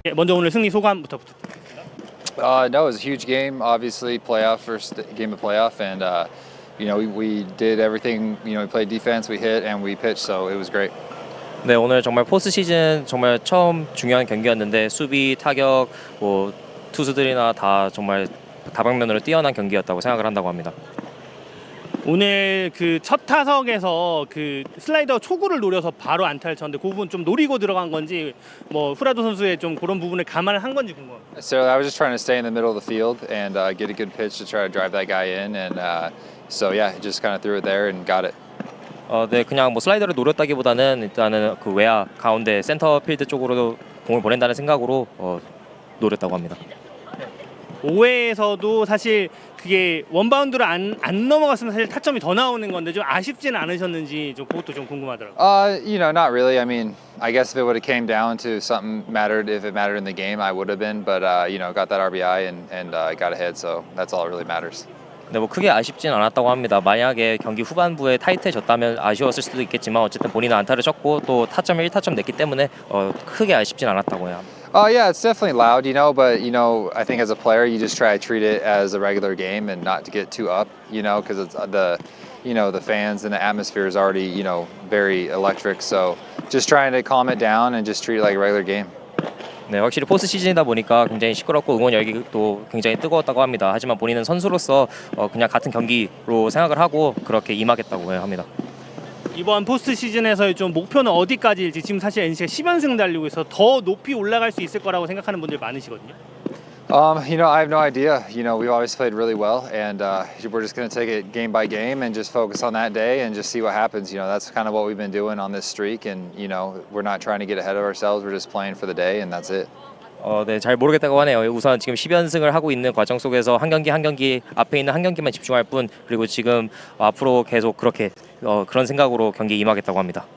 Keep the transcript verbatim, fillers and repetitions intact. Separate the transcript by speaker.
Speaker 1: 먼저 오늘 승리 소감부터 부탁드립니다.
Speaker 2: Uh, no, it was a huge game. Obviously, playoff first game of playoff, and uh, you know we, we did everything. You know, we played defense, we hit, and we pitched, so it was great.
Speaker 3: 네, 오늘 정말 포스트 시즌 정말 처음 중요한 경기였는데 수비, 타격, 뭐 투수들이나 다 정말 다방면으로 뛰어난 경기였다고 생각을 한다고 합니다.
Speaker 1: 오늘 그 첫 타석에서 그 슬라이더 초구를 노려서 바로 안타를 쳤는데 그 부분 좀 노리고 들어간 건지 뭐 후라도 선수의 좀 그런 부분을 감안을 한 건지 궁금합니다.
Speaker 2: So I was just trying to stay in the middle of the field and uh, get a good pitch to try to drive that guy in, and uh, so yeah, just kind of threw it there and got it.
Speaker 3: 어, 네, 그냥 뭐 슬라이더를 노렸다기보다는 일단은 그 외야 가운데 센터 필드 쪽으로 공을 보낸다는 생각으로 어, 노렸다고 합니다.
Speaker 1: 오 회에서도 사실 그게 원바운드로 안, 안 넘어갔으면 사실 타점이 더 나오는 건데 좀 아쉽지는 않으셨는지 좀 그것도 좀 궁금하더라고요.
Speaker 2: Uh, you know, not really. I mean, I guess if it would have came down to something mattered, if it mattered in the game, I would have been. But uh, you know, got that R B I and and uh, got ahead, so that's all that really matters.
Speaker 3: 네, 뭐 크게 아쉽진 않았다고 합니다. 만약에 경기 후반부에 타이트해졌다면 아쉬웠을 수도 있겠지만 어쨌든 본인은 안타를 쳤고 또 타점을 일 타점 냈기 때문에 어, 크게 아쉽진 않았다고 해요.
Speaker 2: Oh yeah, it's definitely loud, you know, but you know, I think as a player, you just try to treat it as a regular game and not to get too up, you know, because it's the, you know, the fans and the atmosphere is already, you know, very electric. So just trying to calm it down and just treat it like a regular game.
Speaker 3: 네, 확실히 포스트 시즌이다 보니까 굉장히 시끄럽고 응원 열기도 굉장히 뜨거웠다고 합니다. 하지만 본인은 선수로서 어, 그냥 같은 경기로 생각을 하고 그렇게 임하겠다고 합니다.
Speaker 1: 이번 포스트 시즌에서의 좀 목표는 어디까지일지 지금 사실 엔씨가 십 연승 달리고 있어서 더 높이 올라갈 수 있을 거라고 생각하는 분들 많으시거든요.
Speaker 2: Um, you know, I have no idea. You know, we've always played really well, and uh, we're just going to take it game by game and just focus on that day and just see what happens. You know, that's kind of what we've been doing on this streak, and you know, we're not trying to get ahead of ourselves. We're just playing for the day, and that's it.
Speaker 3: 어, 네, 잘 모르겠다고 하네요. 우선 지금 십 연승을 하고 있는 과정 속에서 한 경기 한 경기 앞에 있는 한 경기만 집중할 뿐, 그리고 지금 앞으로 계속 그렇게 어, 그런 생각으로 경기에 임하겠다고 합니다.